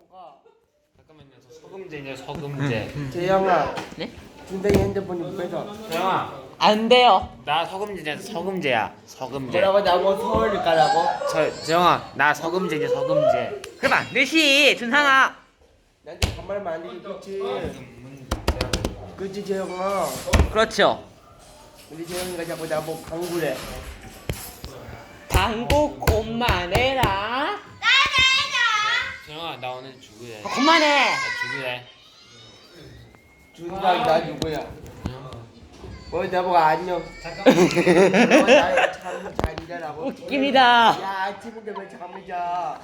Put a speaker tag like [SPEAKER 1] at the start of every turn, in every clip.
[SPEAKER 1] 잠깐만요. 저 서금제냐 서금제.
[SPEAKER 2] 재영아,
[SPEAKER 3] 네?
[SPEAKER 2] 준상이 핸드폰이 뺏어.
[SPEAKER 1] 재영아,
[SPEAKER 3] 안 돼요.
[SPEAKER 1] 나 서금제냐 서금제야. 서금제.
[SPEAKER 2] 뭐라고 나보고 서울을 가라고?
[SPEAKER 1] 재영아, 나 서금제냐 서금제.
[SPEAKER 3] 그만. 넷이 준상아.
[SPEAKER 2] 나한테 반말만 안 되지, 그치? 그치, 재영아?
[SPEAKER 3] 그렇죠.
[SPEAKER 2] 우리 재영이가 자꾸 나보고 방구래.
[SPEAKER 3] 방구 그만해라.
[SPEAKER 1] 재영아, 나 오늘 죽을래.
[SPEAKER 3] 그만해.
[SPEAKER 1] 나 죽을래.
[SPEAKER 2] 준상, 나 누구야? 뭐 나보고 안녕. 나잠 자리라고.
[SPEAKER 3] 웃깁니다.
[SPEAKER 2] 야, 아침인데 왜 잠을 자?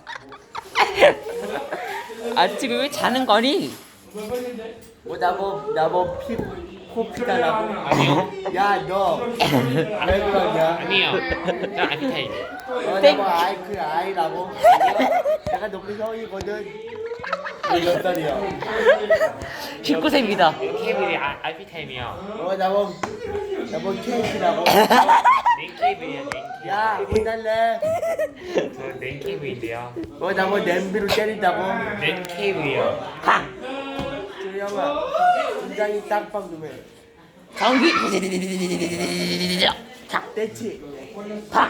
[SPEAKER 3] 아침에 왜 자는 거니?
[SPEAKER 2] 뭐 나보고 코피다라고.
[SPEAKER 1] 아니요.
[SPEAKER 2] 야, 너 왜 그러냐?
[SPEAKER 1] 아니요. 나 아피타임.
[SPEAKER 2] 나보고 아이라고. 내가 너무 형이거든. 몇 살이야?
[SPEAKER 3] 19세입니다.
[SPEAKER 1] 케이블이 아피타임이요.
[SPEAKER 2] 나보고 케이크라고.
[SPEAKER 1] 냉케이블이야 냉케이블.
[SPEAKER 2] 야, 혼날래?
[SPEAKER 1] 저 냉케이블인데요.
[SPEAKER 2] 나보고 냄비로 때린다고.
[SPEAKER 1] 냉케이블이요.
[SPEAKER 2] 조영아, 준장이 땅빵 좀 해.
[SPEAKER 3] 전기.
[SPEAKER 2] 됐지?
[SPEAKER 3] 팍.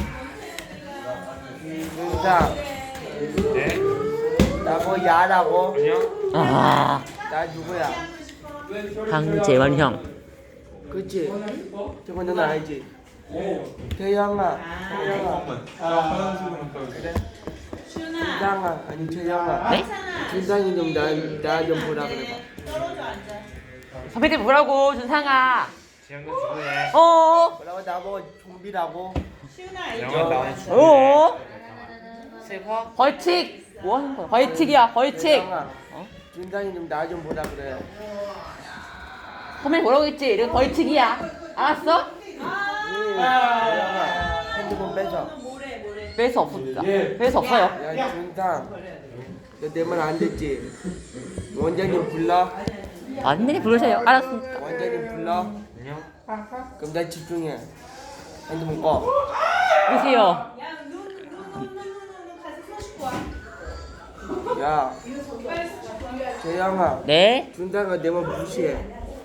[SPEAKER 2] 준장,
[SPEAKER 1] 네?
[SPEAKER 2] 나보고 야라고.
[SPEAKER 1] 아니요.
[SPEAKER 3] 아,
[SPEAKER 2] 나 누구야?
[SPEAKER 3] 황재원 형.
[SPEAKER 2] 그치? 저거 너는 알지? 태영아. 그래? 준장아, 아니 재영아.
[SPEAKER 3] 네?
[SPEAKER 2] 준장이 좀 나 좀 보라 그래봐.
[SPEAKER 3] 선배님 뭐라고 준상아?
[SPEAKER 1] 재영아 죽을래.
[SPEAKER 2] 뭐라고 나보고 좀비라고.
[SPEAKER 1] 재영아 나 오늘 죽을래.
[SPEAKER 3] 어?
[SPEAKER 1] 슬퍼?
[SPEAKER 3] 벌칙. 뭐 하는 거야? 벌칙이야 벌칙.
[SPEAKER 2] 재영아, 준장이 좀 나 좀 보라 그래.
[SPEAKER 3] 선배님 뭐라고 했지? 이거 벌칙이야. 알았어?
[SPEAKER 2] 재영아, 핸드폰 뺏어.
[SPEAKER 3] 뺄수 없습니다. 뺄수 없어요.
[SPEAKER 2] 야, 준상, 너 내 말 안 듣지? 원장님 불러.
[SPEAKER 3] 완전히 부르세요. 알았습니다.
[SPEAKER 2] 원장님 불러.
[SPEAKER 1] 안녕.
[SPEAKER 2] 그럼 나 집중해. 핸드폰 꺼.
[SPEAKER 3] 보세요.
[SPEAKER 2] 야, 재영아,
[SPEAKER 3] 네?
[SPEAKER 2] 준상아 내 말 무시해.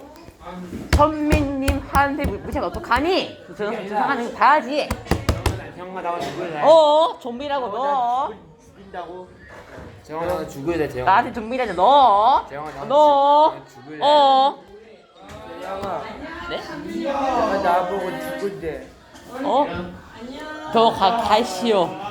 [SPEAKER 3] 선민님한테 무시하면 어떡하니? 준상하는 거 봐야지.
[SPEAKER 1] 재영아 나 오늘 죽을래.
[SPEAKER 3] 좀비라고 너.
[SPEAKER 2] 죽인다고?
[SPEAKER 1] 재영아 나 오늘 죽을래 재영아.
[SPEAKER 3] 나한테 좀비라냐 너.
[SPEAKER 1] 재영아 나
[SPEAKER 3] 너.
[SPEAKER 1] 죽을래.
[SPEAKER 2] 재영아,
[SPEAKER 3] 네?
[SPEAKER 2] 내가 나보고 죽은데.
[SPEAKER 3] 저 가시오.